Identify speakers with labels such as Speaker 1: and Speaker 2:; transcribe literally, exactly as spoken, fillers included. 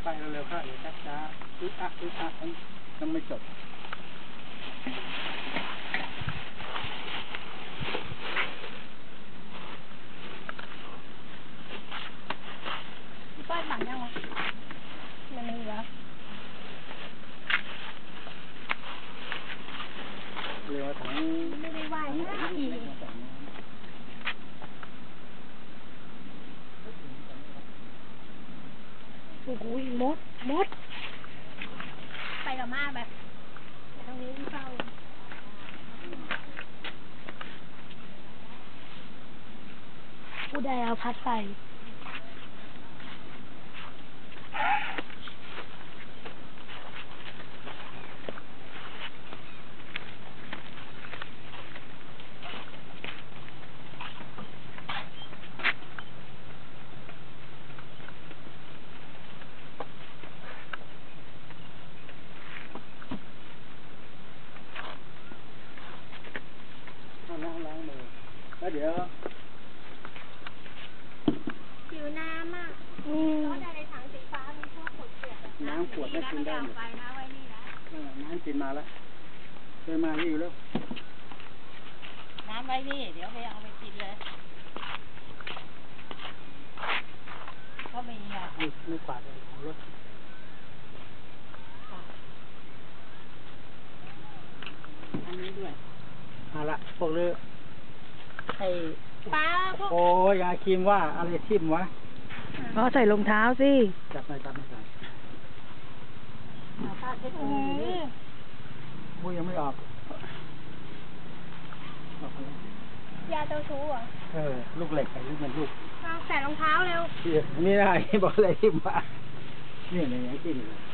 Speaker 1: ไปเร็วๆเข้าเดี๋ยวช้าๆอึ๊กอักอึ๊กอักยังไม่จบ
Speaker 2: ป้ายบังยังวะมันมีแล้ว
Speaker 1: เรือถัง
Speaker 2: ไม่ได้ไหวนะอีกโอ้โหมดมดไปกับมาแบบตรงนี้ที่เฝ้าผู้ใดเอาพัดใส่
Speaker 1: ล้างล้างมือแล้วเดี๋ยว
Speaker 2: ผิวน้ำอ่ะอืมแล้วในถังสีฟ้ามีพวกขวดเปียก
Speaker 1: น้ำขวดไม่กินได้หมดน้ำกินมาแล้วเคยมาที่อยู่แล้ว
Speaker 3: น้ำไว้นี่เดี๋ยวไปเอาไปกินเลยก็มีอ่ะ
Speaker 1: ไม่ไม่กวาดเลยของรถ
Speaker 3: อันนี้ด้วย
Speaker 1: มาละพวกเรือไอ้
Speaker 2: ป้าพวก
Speaker 1: โอ้ยยาครีมว่าอะไรทิ่มวะ
Speaker 4: อ๋อใส่รองเท้าสิ
Speaker 1: จับไปจับไม่ใส่
Speaker 3: ป้าเช็ดมือ
Speaker 1: มุ้ยยังไม่ออก
Speaker 2: ยาเจ้าชู้เหรอ
Speaker 1: เออลูกเหล็กไอ้ลูกมันลูก
Speaker 2: ใส่รองเท้าเร็ว
Speaker 1: นี่ได้บอกอะไรทิ่มวะนี่ไหนทิ่มเลย